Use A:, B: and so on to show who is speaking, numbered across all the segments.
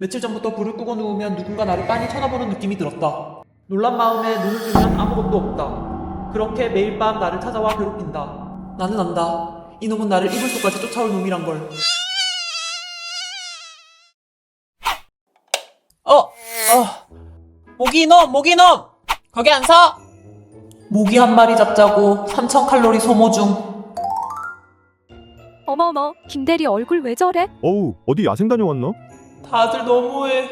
A: 며칠 전부터 불을 끄고 누우면 누군가 나를 빤히 쳐다보는 느낌이 들었다. 놀란 마음에 눈을 뜨면 아무것도 없다. 그렇게 매일 밤 나를 찾아와 괴롭힌다. 나는 안다. 이놈은 나를 이불 속까지 쫓아올 놈이란 걸. 모기 이놈! 거기 안 서! 모기 한 마리 잡자고 3000칼로리 소모 중.
B: 어머어머, 김대리 얼굴 왜 저래?
C: 어우, 어디 야생 다녀왔나?
A: 다들 너무해.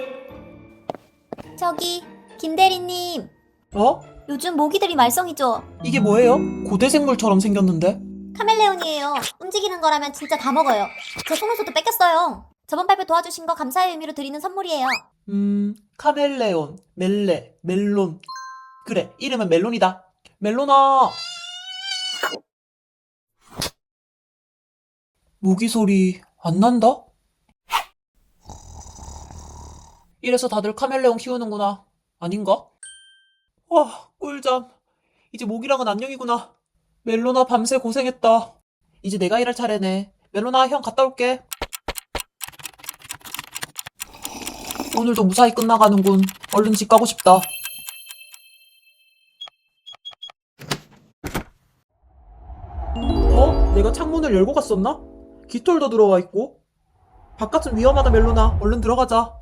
D: 저기 김대리님,
A: 어?
D: 요즘 모기들이 말썽이죠?
A: 이게 뭐예요? 고대 생물처럼 생겼는데?
D: 카멜레온이에요. 움직이는 거라면 진짜 다 먹어요. 제 속눈썹도 뺏겼어요. 저번 발표 도와주신 거 감사의 의미로 드리는 선물이에요.
A: 카멜레온, 멜론. 그래, 이름은 멜론이다. 멜론아! 모기 소리 안 난다? 이래서 다들 카멜레온 키우는구나. 아닌가? 와, 꿀잠. 이제 모기랑은 안녕이구나. 멜론아, 밤새 고생했다. 이제 내가 일할 차례네. 멜론아, 형 갔다 올게. 오늘도 무사히 끝나가는군. 얼른 집 가고 싶다. 내가 창문을 열고 갔었나? 깃털도 들어와 있고. 바깥은 위험하다, 멜론아. 얼른 들어가자.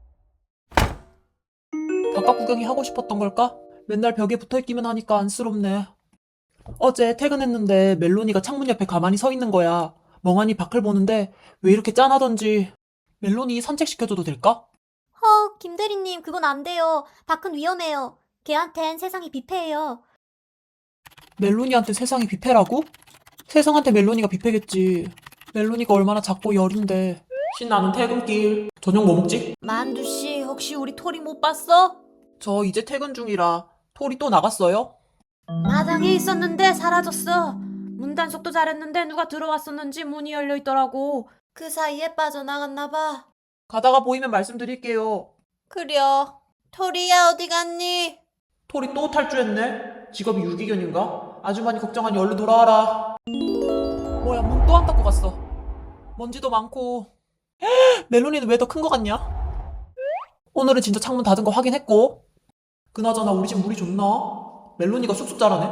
A: 바깥 구경이 하고 싶었던 걸까? 맨날 벽에 붙어있기만 하니까 안쓰럽네. 어제 퇴근했는데 멜론이가 창문 옆에 가만히 서 있는 거야. 멍하니 밖을 보는데 왜 이렇게 짠하던지. 멜론이 산책시켜줘도 될까?
D: 김대리님, 그건 안 돼요. 밖은 위험해요. 걔한텐 세상이 비폐해요.
A: 멜론이한테 세상이 뷔페라고? 세상한테 멜론이가 뷔페겠지. 멜론이가 얼마나 작고 여린데. 신나는 퇴근길. 저녁 뭐 먹지?
D: 만두씨, 혹시 우리 토리 못 봤어?
A: 저 이제 퇴근 중이라. 토리 또 나갔어요?
E: 마당에 있었는데 사라졌어. 문 단속도 잘했는데 누가 들어왔었는지 문이 열려있더라고.
D: 그 사이에 빠져나갔나봐.
A: 가다가 보이면 말씀드릴게요.
D: 그려. 토리야, 어디 갔니?
A: 토리 또 탈주했네? 직업이 유기견인가? 아주머니 걱정하니 얼른 돌아와라. 뭐야, 문 또 안 닫고 갔어. 먼지도 많고. 멜론이는 왜 더 큰 거 같냐? 오늘은 진짜 창문 닫은 거 확인했고. 그나저나 우리 집 물이 좋나? 멜론이가 쑥쑥 자라네.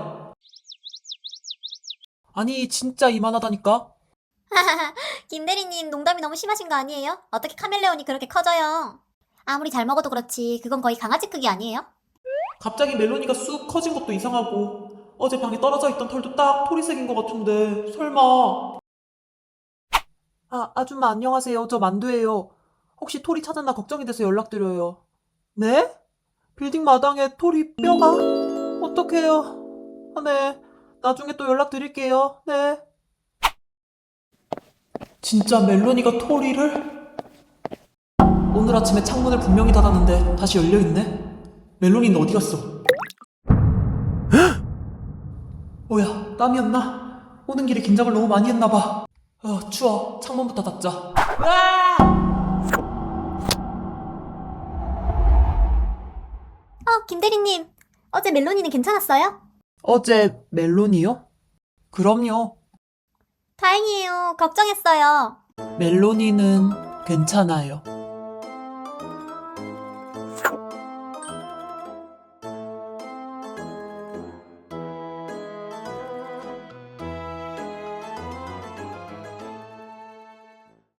A: 아니, 진짜 이만하다니까?
D: 김대리님, 농담이 너무 심하신 거 아니에요? 어떻게 카멜레온이 그렇게 커져요? 아무리 잘 먹어도 그렇지, 그건 거의 강아지 크기 아니에요?
A: 갑자기 멜론이가 쑥 커진 것도 이상하고 어제 방에 떨어져 있던 털도 딱 토리색인 것 같은데 설마. 아줌마 안녕하세요. 저 만두예요. 혹시 토리 찾았나 걱정이 돼서 연락드려요. 네? 빌딩 마당에 토리 뼈가? 어떡해요. 네. 나중에 또 연락드릴게요. 네. 진짜 멜론이가 토리를? 오늘 아침에 창문을 분명히 닫았는데 다시 열려있네? 멜론이는 어디 갔어? 뭐야, 땀이었나? 오는 길에 긴장을 너무 많이 했나봐. 추워. 창문부터 닫자.
D: 김대리님, 어제 멜론이는 괜찮았어요?
A: 어제 멜론이요? 그럼요.
D: 다행이에요. 걱정했어요.
A: 멜론이는 괜찮아요.